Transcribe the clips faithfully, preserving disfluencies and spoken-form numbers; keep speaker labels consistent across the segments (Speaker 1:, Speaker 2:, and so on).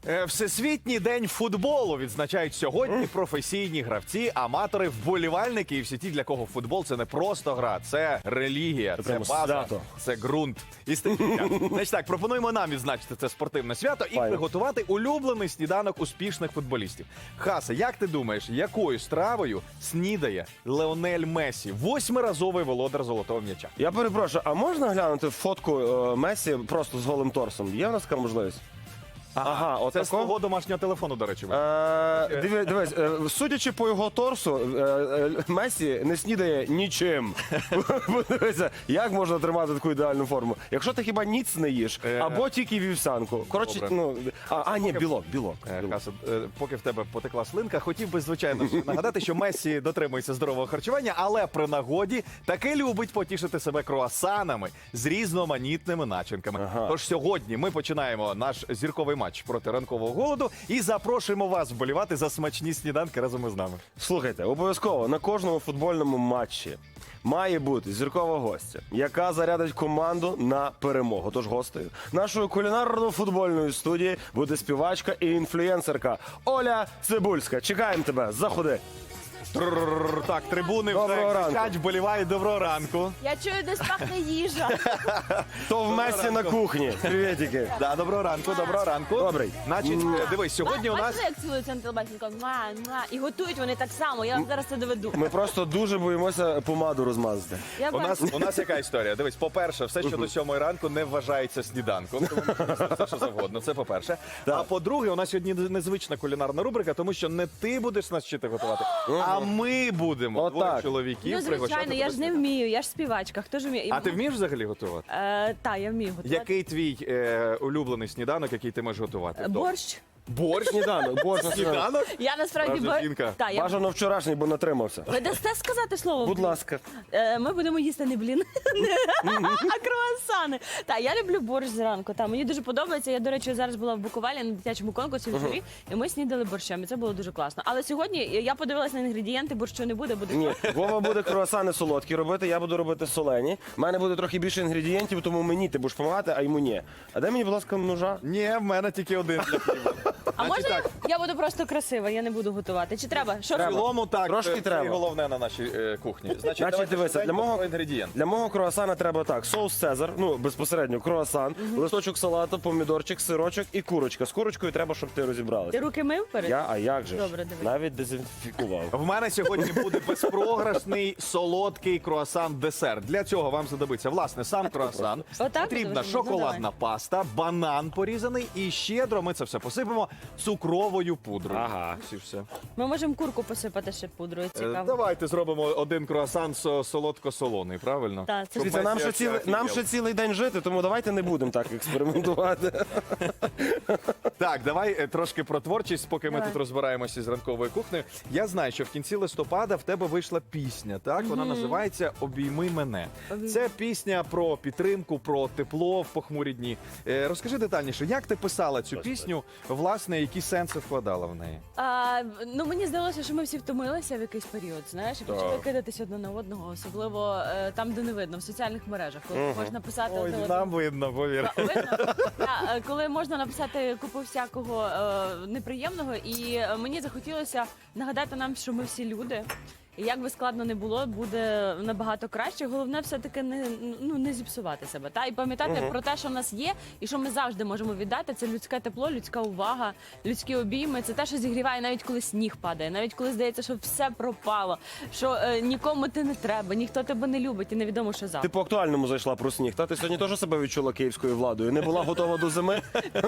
Speaker 1: Е, Всесвітній день футболу відзначають сьогодні професійні гравці, аматори, вболівальники і всі ті, для кого футбол – це не просто гра, це релігія, це,
Speaker 2: прямо
Speaker 1: база,
Speaker 2: свято.
Speaker 1: це ґрунт. І стихія. Значить так, пропонуємо нам відзначити це спортивне свято і
Speaker 2: Файно.
Speaker 1: приготувати улюблений сніданок успішних футболістів. Хаса, як ти думаєш, якою стравою снідає Леонель Месі, восьмиразовий володар золотого м'яча?
Speaker 2: Я перепрошую, а можна глянути фотку е, Месі просто з голим торсом? Є в нас така можливість? Ага, от
Speaker 1: Це з
Speaker 2: тако?
Speaker 1: твого домашнього телефону, до речі.
Speaker 2: Е, диви- Дивись, е, судячи по його торсу, е, е, Месі не снідає нічим. Подивися, як можна тримати таку ідеальну форму? Якщо ти хіба ніц не їш,
Speaker 1: Е,
Speaker 2: або тільки вівсянку. Коротше,
Speaker 1: добре.
Speaker 2: ну, а, а ні, білок, білок.
Speaker 1: Е,
Speaker 2: білок.
Speaker 1: Хаса, е, поки в тебе потекла слинка, хотів би, звичайно, ж нагадати, що Месі дотримується здорового харчування, але при нагоді таки любить потішити себе круасанами з різноманітними начинками.
Speaker 2: Ага.
Speaker 1: Тож сьогодні ми починаємо наш зірковий матч проти ранкового голоду і запрошуємо вас вболівати за смачні сніданки разом із нами.
Speaker 2: Слухайте, обов'язково на кожному футбольному матчі має бути зіркова гостя, яка зарядить команду на перемогу. Тож гостею нашої кулінарно-футбольної студії буде співачка і інфлюенсерка Оля Цибульська. Чекаємо тебе, заходи.
Speaker 1: Трррррр. Так, трибуни
Speaker 2: Доброго
Speaker 1: вже
Speaker 2: ранку.
Speaker 1: кричать, вболівають. Доброго ранку.
Speaker 3: Я чую, десь пахне їжа.
Speaker 2: То в Месі на кухні. Привітики.
Speaker 1: Да, доброго ранку, доброго ранку.
Speaker 2: Добрий.
Speaker 1: Значить, е, дивись, сьогодні у нас...
Speaker 3: Бачите, як цілуються на телебаченні? Муа, муа. І готують вони так само. Я вам зараз це доведу.
Speaker 2: Ми просто дуже боїмося помаду розмазати.
Speaker 3: Я
Speaker 1: У нас,
Speaker 3: бачу.
Speaker 1: у нас яка історія? Дивись, по-перше, все, що до сьомої ранку не вважається сніданком. Тому можна все, що завгодно. Це по-перше. А по-друге, у нас сьогодні незвична кулінарна рубрика, тому що не ти будеш нас вчити готувати, а ми будемо.
Speaker 2: Отак.
Speaker 1: Двоє чоловіків
Speaker 3: Ну, звичайно,
Speaker 1: пригощати
Speaker 3: я ж
Speaker 1: тебе
Speaker 3: не вмію, я ж співачка. Хто ж вміє?
Speaker 1: А ти вмієш взагалі готувати?
Speaker 3: Е, та, я вмію готувати.
Speaker 1: Який твій е, улюблений сніданок, який ти можеш готувати?
Speaker 3: Е, Борщ.
Speaker 1: Борщ?
Speaker 2: Сніданок, борщ.
Speaker 1: Сніданок?
Speaker 3: Я насправді
Speaker 1: Справжня
Speaker 3: бор...
Speaker 1: жінка.
Speaker 3: Та, я...
Speaker 2: Бажано вчорашній, бо натримався.
Speaker 3: Ви дасте сказати слово?
Speaker 2: Будь ласка.
Speaker 3: Е, Ми будемо їсти не блін, а круасани. Та, я люблю борщ зранку. Та, мені дуже подобається. Я, до речі, зараз була в Буковелі на дитячому конкурсі в журі, і ми снідали борщем, і це було дуже класно. Але сьогодні я подивилася на інгредієнти, борщу не буде, буде
Speaker 2: Ні, Вова буде круасани солодкі робити, я буду робити солені. У мене буде трохи більше інгредієнтів, тому мені ти будеш допомагати, а йому ні. А дай мені, будь ласка, ножа.
Speaker 1: Ні, в мене тільки один для хліба.
Speaker 3: А можна я, я буду просто красива, я не буду готувати? Чи треба? Що
Speaker 1: В цілому так,
Speaker 2: Трошки
Speaker 1: це
Speaker 2: треба.
Speaker 1: і головне на нашій е, кухні. Значить,
Speaker 2: Значить,
Speaker 1: давайте
Speaker 2: дивися, для
Speaker 1: швиденько
Speaker 2: мого,
Speaker 1: про інгредієнт.
Speaker 2: для мого круасана треба так: соус Цезар, ну безпосередньо круасан, листочок салату, помідорчик, сирочок і курочка. З курочкою треба, щоб ти
Speaker 3: Ти
Speaker 2: розібралася.
Speaker 3: руки мив перед?
Speaker 2: Я, а як же ж?
Speaker 3: Добре, дивись.
Speaker 2: Навіть дезінфікував.
Speaker 1: В мене сьогодні буде безпрограшний солодкий круасан-десерт. Для цього вам знадобиться, власне, сам круасан.
Speaker 3: Отак
Speaker 1: Потрібна
Speaker 3: буде? Ну,
Speaker 1: шоколадна
Speaker 3: давай.
Speaker 1: паста, банан порізаний і щедро ми це все посипемо цукровою пудрою.
Speaker 2: Ага.
Speaker 1: Ось і все.
Speaker 3: Ми можемо курку посипати ще пудрою,
Speaker 1: Е,
Speaker 3: цікаво.
Speaker 1: Давайте зробимо один круасан со- солодко-солоний, правильно?
Speaker 3: Так, це
Speaker 1: Щоб
Speaker 2: Дивіться, нам
Speaker 1: Месі
Speaker 2: ще, цілий,
Speaker 1: офігел.
Speaker 2: нам ще цілий день жити, тому давайте не будемо так експериментувати.
Speaker 1: Так, давай е, трошки про творчість, поки ми
Speaker 3: Давай.
Speaker 1: тут розбираємося з ранковою кухнею. Я знаю, що в кінці листопада в тебе вийшла пісня, так? Вона називається «Обійми мене».
Speaker 3: Обійми.
Speaker 1: Це пісня про підтримку, про тепло в похмурі дні. Е, Розкажи детальніше, як ти писала цю пісню, власне, які сенси вкладала в неї?
Speaker 3: А, ну мені здалося, що ми всі втомилися в якийсь період, знаєш, і почали
Speaker 1: Так.
Speaker 3: кидатись одне на одного, особливо е, там, де не видно, в соціальних мережах, коли можна писати
Speaker 1: Ой,
Speaker 3: одне
Speaker 1: нам видно, повір.
Speaker 3: Та, видно? Та, е, коли можна написати купу всякого е, неприємного, і е, мені захотілося нагадати нам, що ми всі люди. І як би складно не було, буде набагато краще. Головне все-таки не, ну, не зіпсувати себе. Та? І пам'ятати про те, що в нас є, і що ми завжди можемо віддати. Це людське тепло, людська увага, людські обійми. Це те, що зігріває, навіть коли сніг падає, навіть коли здається, що все пропало, що е, нікому ти не треба, ніхто тебе не любить і невідомо, що завтра.
Speaker 2: Ти по актуальному зайшла про сніг. Та ти сьогодні теж себе відчула київською владою. Не була готова до зими.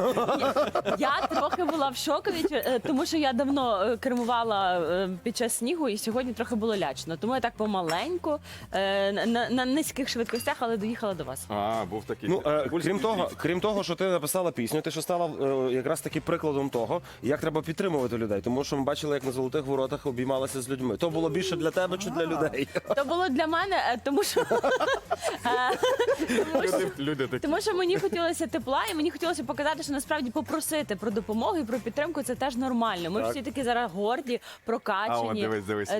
Speaker 3: Я трохи була в шокові, е, тому що я давно е, кермувала е, під час снігу, і сьогодні трохи було лячно. Тому я так помаленьку, е, на, на низьких швидкостях, але доїхала до вас.
Speaker 1: А, був такий.
Speaker 2: Ну, е,
Speaker 1: Цибульський
Speaker 2: крім того,
Speaker 1: твіт.
Speaker 2: крім того, що ти написала пісню, ти ще стала е, якраз таки прикладом того, як треба підтримувати людей. Тому що ми бачили, як на золотих воротах обіймалася з людьми. То було більше для тебе чи для людей?
Speaker 3: То було для мене, е, тому що, е, тому що
Speaker 1: Люди, люди такі.
Speaker 3: Тому що мені хотілося тепла, і мені хотілося показати, що насправді попросити про допомогу і про підтримку це теж нормально. Ми
Speaker 2: Так.
Speaker 3: всі такі зараз горді,
Speaker 1: А,
Speaker 3: прокачані.
Speaker 1: от дивись, дивись,
Speaker 3: Е,
Speaker 1: відео.
Speaker 3: Та,
Speaker 1: Клас.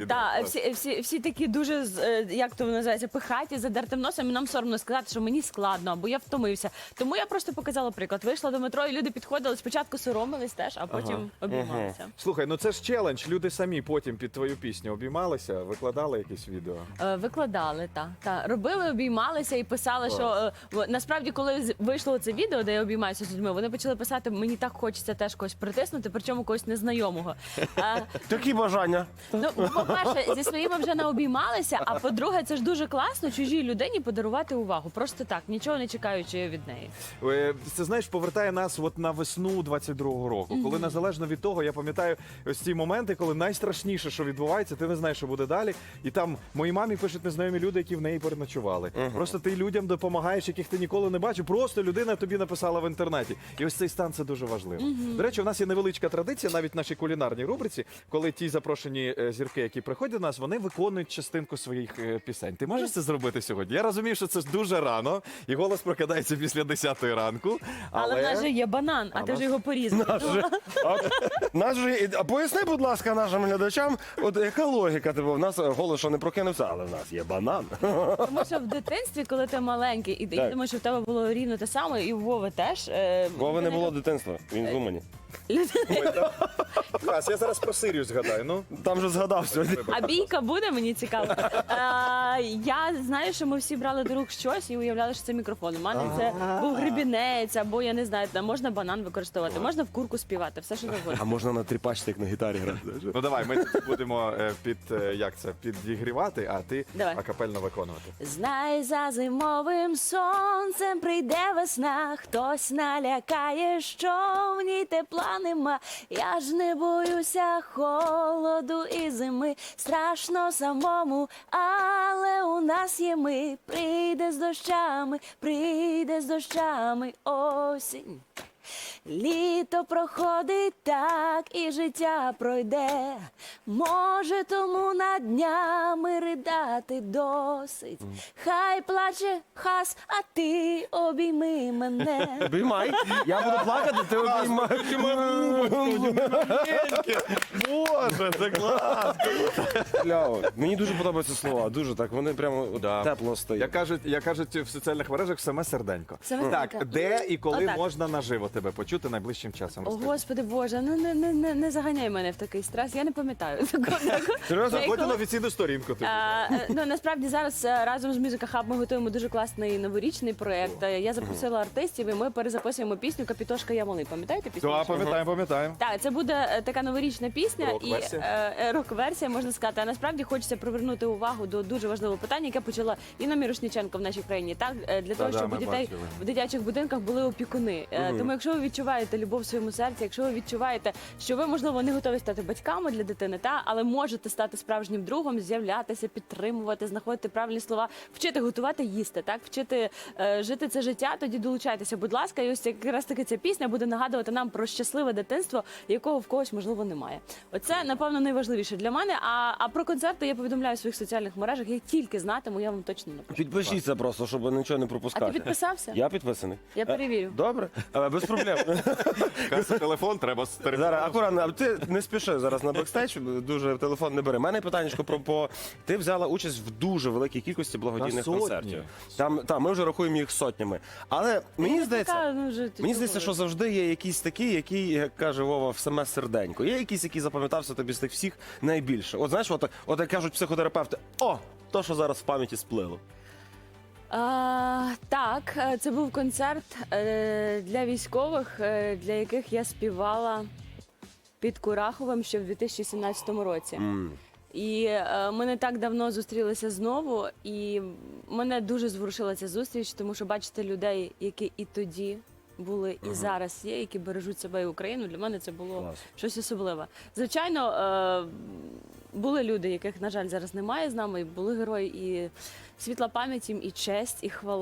Speaker 3: всі, всі, всі такі дуже, з- е, як то називається, пихаті, задертим носом, і нам соромно сказати, що мені складно, або я втомився. Тому я просто показала приклад. Вийшла до метро, і люди підходили, спочатку соромились теж, а потім обіймалися.
Speaker 1: Слухай, ну це ж челендж. Люди самі потім під твою пісню обіймалися, викладали якісь відео.
Speaker 3: Е, Викладали, так. Та. Робили, обіймалися і писали, що е, в- насправді, коли з- вийшло це відео, де я обіймаюся з людьми, вони почали писати, мені так хочеться теж когось притиснути, причому когось незнайомого. Е,
Speaker 2: Такі бажання.
Speaker 3: Ну, по-перше, зі своїми вже не обіймалися, а по-друге, це ж дуже класно чужій людині подарувати увагу. Просто так, нічого не чекаючи від неї.
Speaker 1: Е, Це, знаєш, повертає нас от на весну двадцять другого року, коли незалежно від того, я пам'ятаю ось ці моменти, коли найстрашніше, що відбувається, ти не знаєш, що буде далі. І там моїй мамі пишуть незнайомі люди, які в неї переночували. Просто ти людям допомагаєш, яких ти ніколи не бачив. Просто людина тобі написала в інтернеті. І ось цей стан це дуже важливо. До речі, у нас є невеличка традиція, навіть в нашій кулінарній рубриці, коли ті запрошені е, зірки, які приходять до нас, вони виконують частинку своїх е, пісень. Ти можеш це зробити сьогодні? Я розумію, що це дуже рано, і голос прокидається після десятої ранку.
Speaker 3: Але,
Speaker 1: Але,
Speaker 3: в нас же є банан, а,
Speaker 1: А
Speaker 3: ти
Speaker 1: нас-
Speaker 3: ж його порізав.
Speaker 2: Наш же- а, наш же- а поясни, будь ласка, нашим глядачам, от яка логіка? Типу, в нас голос що не прокинувся, але в нас є банан.
Speaker 3: Тому що в дитинстві, коли ти маленький, і я
Speaker 2: Так.
Speaker 3: думаю, що в тебе було рівно те саме, і у Вови теж. е,
Speaker 2: Вови не
Speaker 3: людина,
Speaker 2: було дитинства, він в Умані.
Speaker 1: Хас, я зараз про Сирію згадаю. Ну,
Speaker 2: Там же згадав сьогодні.
Speaker 3: А бійка буде, мені цікаво. Е, я знаю, що ми всі брали до рук щось і уявляли, що це мікрофон. У мене це був гребінець, або я не знаю, там можна банан використовувати, можна в курку співати, все що завгодно.
Speaker 2: А можна на тріпачці, як на гітарі грати.
Speaker 1: ну давай, ми тут будемо е, під е, як це підігрівати, а ти
Speaker 3: Давай.
Speaker 1: акапельно виконувати.
Speaker 3: Знай, за зимовим сонцем прийде весна, хтось налякає, що в ній тепла нема. Я ж не боюся холоду і зими, страшно самому, але у нас є ми. Прийде з дощами, прийде з дощами осінь. Літо проходить так, і життя пройде. Може, тому над днями ридати досить. Хай плаче хас, а ти обійми мене.
Speaker 2: Обіймай. Я буду плакати, ти обіймай.
Speaker 1: Боже, це клас!
Speaker 2: Кляво. Мені дуже подобаються слова, дуже так, вони прямо от
Speaker 1: Да.
Speaker 2: тепло стоять.
Speaker 1: Як кажуть, як кажуть в соціальних мережах, саме серденько.
Speaker 3: Саме
Speaker 1: так,
Speaker 3: серденько.
Speaker 1: де і коли
Speaker 3: Отак.
Speaker 1: можна наживо тебе почути найближчим часом?
Speaker 3: О,
Speaker 1: Розкажи.
Speaker 3: Господи Боже, ну не, не, не, не заганяй мене в такий стрес, я не пам'ятаю. такого.
Speaker 2: Серйозно?
Speaker 3: Я
Speaker 1: Заходь на
Speaker 3: коли-
Speaker 1: офіційну сторінку. Ти.
Speaker 3: А, е, ну насправді зараз е, разом з Music Hub ми готуємо дуже класний новорічний проєкт. Е, Я запросила артистів, і ми перезаписуємо пісню Капітошка я малий. Пам'ятаєте пісню?
Speaker 1: Так, пам'ятаємо, пам'ятаємо.
Speaker 3: Так, це буде е, така новорічна пісня і
Speaker 1: Рок-версія.
Speaker 3: е, е, рок-версія, можна сказати. А насправді хочеться привернути увагу до дуже важливого питання, яке почала Інна Мірошниченко в нашій країні. Так, е, для того,
Speaker 1: да,
Speaker 3: щоб
Speaker 1: ми
Speaker 3: у дітей
Speaker 1: бачили.
Speaker 3: в дитячих будинках були опікуни. Е, Тому, якщо ви відчуваєте любов в своєму серці, якщо ви відчуваєте, що ви можливо не готові стати батьками для дитини, та але можете стати справжнім другом, з'являтися, підтримувати, знаходити правильні слова, вчити готувати, їсти, так вчити е, жити це життя. Тоді долучайтеся, будь ласка, і ось якраз таки ця пісня буде нагадувати нам про щасливе дитинство, якого в когось можливо немає. Оце напевно найважливіше для мене. А, а про концерти я повідомляю в своїх соціальних мережах. Я тільки знатиму, я вам точно напишу.
Speaker 2: Підпишіться просто, щоб нічого не пропускати.
Speaker 3: А ти підписався?
Speaker 2: Я підписаний.
Speaker 3: Я перевірю.
Speaker 2: Е, Добре, Е, без проблем.
Speaker 1: Каса, телефон треба з телефону.
Speaker 2: Зараз акуратно, а ти не спіши зараз на бекстейдж, дуже телефон не бери. У мене питання про по ти взяла участь в дуже великій кількості благодійних
Speaker 1: На сотні.
Speaker 2: концертів. Там та ми вже рахуємо їх сотнями. Але мені
Speaker 3: Я
Speaker 2: здається,
Speaker 3: така, ну, вже
Speaker 2: мені здається, що завжди є якісь такі, які, як каже Вова, в саме серденько. Є якийсь, який запам'ятався тобі з тих всіх найбільше. От знаєш, от, от як кажуть психотерапевти, о, то, що зараз в пам'яті сплило.
Speaker 3: А, так, е, це був концерт е, для військових, е, для яких я співала під Кураховим ще в дві тисячі сімнадцятому році.
Speaker 2: М.
Speaker 3: І е, ми не так давно зустрілися знову, і мене дуже зворушила ця зустріч, тому що бачити людей, які і тоді були, і зараз є, які бережуть себе і Україну. Для мене це було
Speaker 2: Клас.
Speaker 3: щось особливе. Звичайно, е, були люди, яких, на жаль, зараз немає з нами, і були герої, і світла пам'ять їм, і честь, і хвала.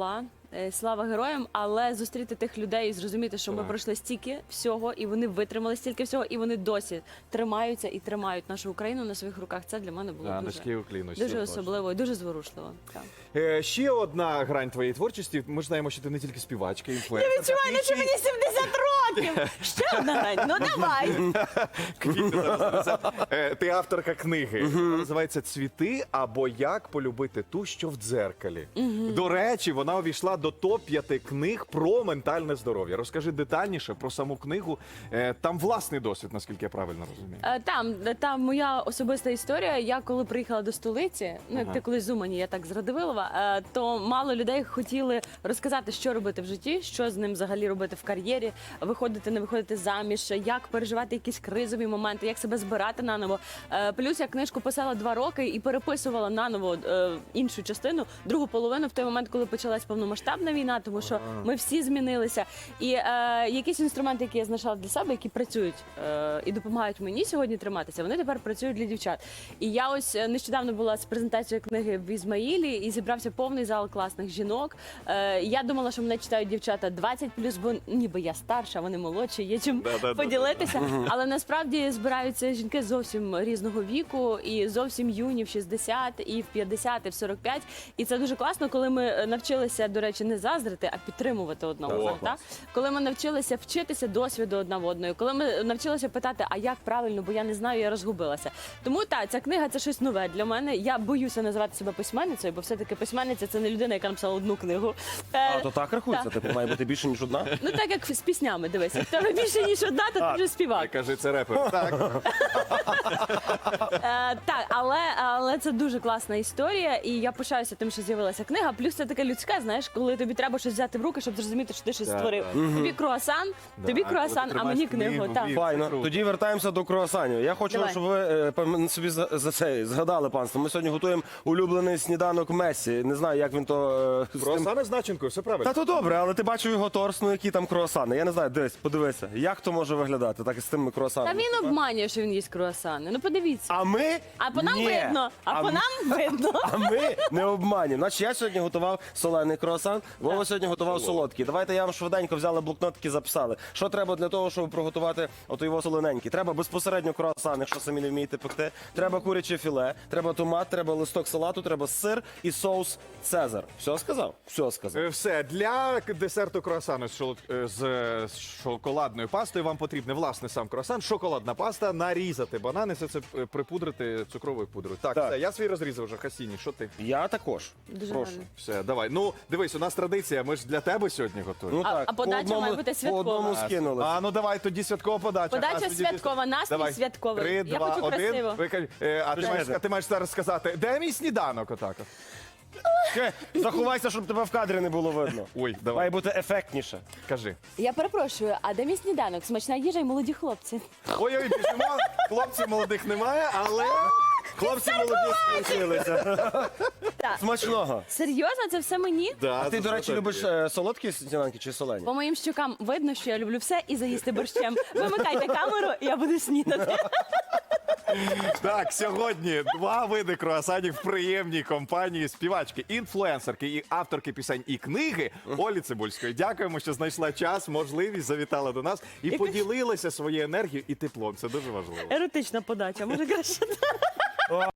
Speaker 3: е, слава героям, але зустріти тих людей і зрозуміти, що ми
Speaker 1: Так.
Speaker 3: пройшли стільки всього, і вони витримали стільки всього, і вони досі тримаються і тримають нашу Україну на своїх руках. Це для мене було
Speaker 1: Да,
Speaker 3: дуже,
Speaker 1: низький уклін усім,
Speaker 3: дуже
Speaker 1: точно.
Speaker 3: особливо і дуже зворушливо. Так.
Speaker 1: Е, ще одна грань твоєї творчості. Ми ж знаємо, що ти не тільки співачка, інфлюенсерка.
Speaker 3: Я відчуваю,
Speaker 1: ти
Speaker 3: наче
Speaker 1: ще й-
Speaker 3: мені сімдесят років. Ще одна грань. Ну давай.
Speaker 1: Квіти зараз несе. Е, Ти авторка книги. Вона називається «Цвіти або як полюбити ту, що в дзеркалі». До речі, вона увійшла до топ п'яти книг про ментальне здоров'я. Розкажи детальніше про саму книгу. Е, Там власний досвід, наскільки я правильно розумію.
Speaker 3: Е, Там, там моя особиста історія. Я коли приїхала до столиці, ну як
Speaker 1: Ага.
Speaker 3: ти колись з Умані, я так з Радивилова, е, то мало людей хотіли розказати, що робити в житті, що з ним взагалі робити в кар'єрі, виходити, не виходити заміж, як переживати якісь кризові моменти, як себе збирати наново. Е, Плюс я книжку писала два роки і переписувала наново е, іншу частину, другу половину в той момент, коли почалась повномасштабна війна, тому що ми всі змінилися. І е, якісь інструменти, які я знайшла для себе, які працюють е, і допомагають мені сьогодні триматися, вони тепер працюють для дівчат. І я ось е, нещодавно була з презентацією книги в Ізмаїлі і зібрався повний зал класних жінок. Е, я думала, що мене читають дівчата двадцять плюс, бо ніби я старша, вони молодші, є чим
Speaker 1: Да-да-да-да-да.
Speaker 3: поділитися. Але насправді збираються жінки зовсім різного віку, і зовсім юні в шістдесят, і в п'ятдесят, і в сорок п'ять. І це дуже класно, коли ми навчилися, до речі, не заздрити, а підтримувати одна
Speaker 1: О,
Speaker 3: одного.
Speaker 1: клас.
Speaker 3: Так? Коли ми навчилися вчитися досвіду одна в одної, коли ми навчилися питати, а як правильно, бо я не знаю, я розгубилася. Тому так, ця книга це щось нове для мене. Я боюся називати себе письменницею, бо все-таки письменниця це не людина, яка написала одну книгу. Е,
Speaker 2: А то так рахується,
Speaker 3: так.
Speaker 2: типу має бути більше, ніж одна.
Speaker 3: Ну так як з піснями, дивись, як в тебе більше ніж одна, то ти
Speaker 2: А,
Speaker 3: вже співак.
Speaker 1: Каже, це репер. Так.
Speaker 3: Е, так, але, але це дуже класна історія, і я пишаюся тим, що з'явилася книга. Плюс це таке людське, знаєш, коли тобі треба щось взяти в руки, щоб зрозуміти, що ти щось
Speaker 1: Так,
Speaker 3: створив.
Speaker 1: так.
Speaker 3: Тобі круасан,
Speaker 1: Да,
Speaker 3: тобі
Speaker 1: коли
Speaker 3: круасан,
Speaker 1: ти
Speaker 3: а мені
Speaker 1: тримаєш
Speaker 3: книгу.
Speaker 1: книгу,
Speaker 3: Так.
Speaker 1: ві-
Speaker 2: Файно.
Speaker 1: круто.
Speaker 2: Тоді вертаємося до круасанів. Я хочу,
Speaker 3: Давай.
Speaker 2: щоб ви е, пам- собі за, за це згадали, панство. Ми сьогодні готуємо улюблений сніданок Месі. Не знаю, як він то е, з тим-
Speaker 1: Круасани з начинкою, все правильно.
Speaker 2: Та то добре, але ти бачив його торс, ну які там круасани. Я не знаю, дивись, подивися, як то може виглядати так із тими
Speaker 3: Та
Speaker 2: круасанами.
Speaker 3: він обманює, що він їсть круасани. Ну подивіться.
Speaker 2: А ми
Speaker 3: А по нам
Speaker 2: Ні.
Speaker 3: видно, а, по
Speaker 2: м-
Speaker 3: нам видно.
Speaker 2: А ми не обманюємо. Значить, я сьогодні готував солений круасан, Вова сьогодні готував солодкий. Давайте я вам швиденько взяли блокнотики, записали. Що треба для того, щоб приготувати ото його солоненький? Треба безпосередньо круасан, якщо самі не вмієте пекти. Треба куряче філе, треба томат, треба листок салату, треба сир і соус Цезар. Все сказав? Все сказав.
Speaker 1: Е, Все, для к- десерту круасану з, шолод- е, з е, з шоколадною пастою вам потрібне, власне, сам круасан, шоколадна паста, нарізати банани, все це е, припудрити цукровою пудрою. Так,
Speaker 2: Так.
Speaker 1: все, я свій розрізав вже, Хасіні, що ти?
Speaker 2: Я також.
Speaker 3: Дуже
Speaker 2: Прошу.
Speaker 3: гарно.
Speaker 1: Все, давай. Ну, дивись, у нас традиція, ми ж для тебе сьогодні готуємо.
Speaker 2: Ну
Speaker 3: А-
Speaker 2: так,
Speaker 3: а подача
Speaker 2: по одному,
Speaker 3: має бути
Speaker 2: по
Speaker 3: святкова.
Speaker 2: одному скинули.
Speaker 1: А, ну давай тоді святкова подача.
Speaker 3: Подача
Speaker 1: А, тоді-
Speaker 3: святкова, настрій
Speaker 1: Давай.
Speaker 3: святковий.
Speaker 1: Три,
Speaker 3: Я
Speaker 1: два,
Speaker 3: хочу
Speaker 1: один.
Speaker 3: красиво.
Speaker 1: Ви кажете, е, а, ти
Speaker 2: Почекайте.
Speaker 1: маєш, а ти маєш зараз сказати, де мій сніданок отак? от?
Speaker 2: Хе, Заховайся, щоб тебе в кадрі не було видно.
Speaker 1: Ой,
Speaker 2: Має
Speaker 1: давай,
Speaker 2: бути ефектніше.
Speaker 1: кажи.
Speaker 3: Я перепрошую, а де мій сніданок? Смачна їжа і молоді хлопці.
Speaker 1: Ой-ой, біжимо, хлопців молодих немає, але...
Speaker 2: Хлопці молоді скінчилися.
Speaker 3: Так.
Speaker 2: Смачного.
Speaker 3: Серйозно, це все мені?
Speaker 1: Да,
Speaker 2: А ти,
Speaker 1: це
Speaker 2: до речі,
Speaker 1: все
Speaker 2: любиш
Speaker 1: тобі.
Speaker 2: е, солодкі сніданки чи солені?
Speaker 3: По моїм щукам видно, що я люблю все і заїсти борщем. Вимикайте камеру, я буду снідати.
Speaker 1: Так, сьогодні два види круасанів в приємній компанії співачки, інфлюенсерки і авторки пісень і книги Олі Цибульської. Дякуємо, що знайшла час, можливість, завітала до нас і поділилася своєю енергією і теплом. Це дуже важливо.
Speaker 3: Еротична подача, може краще.